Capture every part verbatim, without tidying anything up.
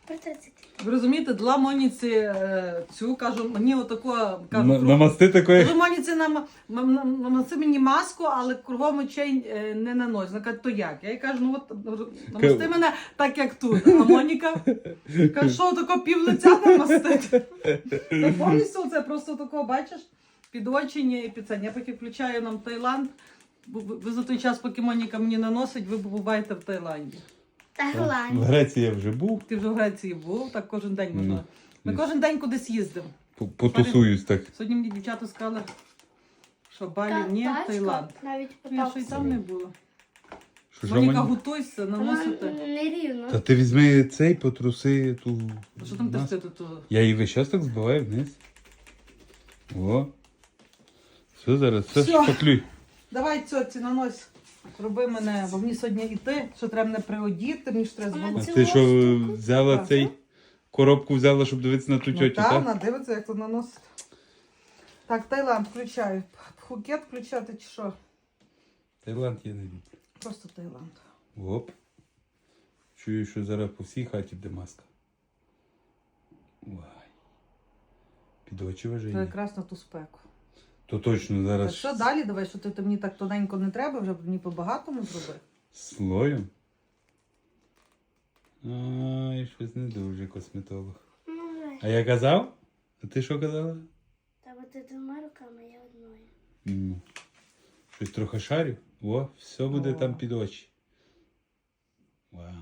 Про тридцять. Ви розумієте, дала Моніці е, цю, кажу, мені отако, кажу, На- круг- Намасти такої. кажу, Моніці, нам, нам, нам, намасти мені маску, але кругом очей е, не нанось. Вона каже, то як? Я їй кажу, ну от, намасти мене так, як тут. А Моніка каже, що тако пів лиця намастити? Та повністю це просто тако, бачиш, під очі і під це. Я поки включаю нам Таїланд, ви, ви за той час, поки Моніка мені наносить, ви буваєте в Таїланді. Та В Голландія. Греції я вже був. Ти вже в Греції був, так кожен день можна. Ну, Ми десь. кожен день кудись їздимо. По- Потусуюсь так. Сьогодні мені дівчата сказали, що Балі Та- ні, тачка Таїланд. навіть Ну, я ще й там не потапсила. була. Що ж, Моніка, Роман? готуйся, Вона наносити. не рівно. Та ти візьми цей, потруси ту. Що там маску. ти тут? Я її весь час так збиваю вниз. О. Все, зараз, все, Всьо. шпаклюй. Давай, цьоці, нанось. Роби мене, бо мені сьогодні йти, що треба мене приодіти, мені ж треба Вона А зболоти. ти що, штуку? взяла Так. цей коробку взяла, щоб дивитися на ту Ну тьотю, так, так? вона дивиться, як тут наносити. Так, Таїланд включаю. Пхукет включати чи що? Таїланд я не люблю. Просто Таїланд. Оп. Чую, що зараз по всій хаті буде маска. Вай. Під очі Це вижені. якраз на ту спеку. То точно Так зараз що далі, давай, що ти, ти мені так тоненько не треба, вже мені по-багатому зроби. слоєм. Ай, щось не дуже косметолог. Ну, А я казав? А ти що казала? та бо ти двома руками, я одною. Ну, щось трохи шарю. О, все буде О. там під очі. Вау.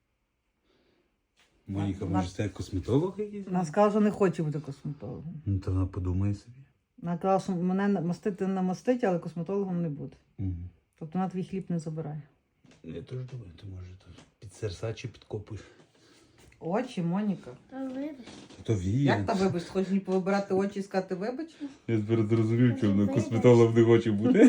Моніка, На- може це косметолог якийсь? Вона сказала, що не хоче бути косметологом. Ну, то вона подумає собі. Вона казала, що мене мастити намастить, але косметологом не буде. Угу. Тобто вона твій хліб не забирає. Я теж думаю, ти може то під серця чи підкопуєш. Очі, Моніка. Та вибач. То віє. Як та вибач? Хочеш мені повибирати очі і сказати вибач? Я тепер зрозумів, чому вона Вибач. косметолог не хоче бути.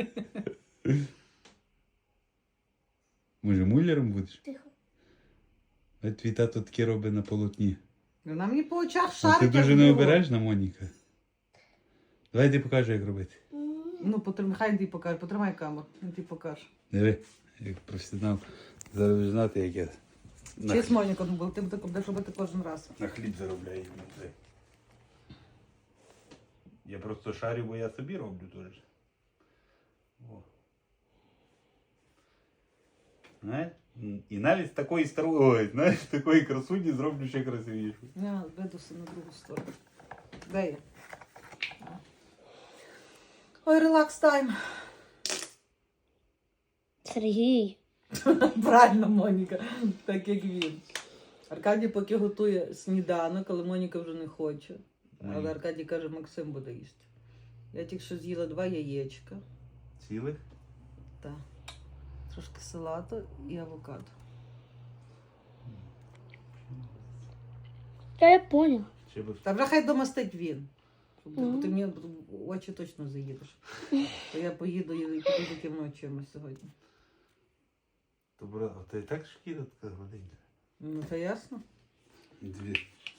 Може, муляром будеш? Тихо. А твій тато таке робить на полотні. Вона мені по очах А шарить. ти дуже як не біло. обережна, Моніка. Давай ти покажу, як робити. М, Ну, потримай, хай ти покаже, потримай камеру, він ти покаже. Диви, як професіонал. Зараз будеш знати, як я на, Честь, Моніка, ну, бо ти так будеш робити кожен раз. на хліб заробляю. Я просто шарю, бо я собі роблю теж. О. Знаєш? І навіть з такої старої, ой, знаєш, з такої красуні зроблю ще красивішу. Я ведуся на другу сторону. Де я? А. Ой, релакс тайм. Сергій. Правильно, Моніка, так як він. Аркадій поки готує сніданок, але Моніка вже не хоче. Але Ой. Аркадій каже, Максим буде їсти. Я тільки що з'їла два яєчка. Цілих? Так. Трошки салату і авокадо. Та я поняв. Ще би Та вже хай домастить він. Щоб Ну. ти мені в очі точно заїдеш. То я поїду і піду таким очима сьогодні. Добре, а ти так шкіра така гладенька? Ну, це ясно. Дві.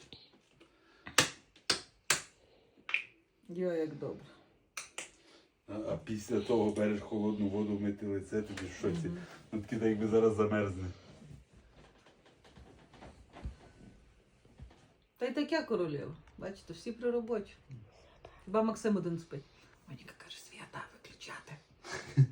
Йо, як добре. А, а після того береш холодну воду, мити лице, тобі в шоці. Мгм. Ну таки так якби зараз замерзне. Та й таке королева. Бачите, всі при роботі. Хіба Максим один спить. Моніка каже, свята виключати.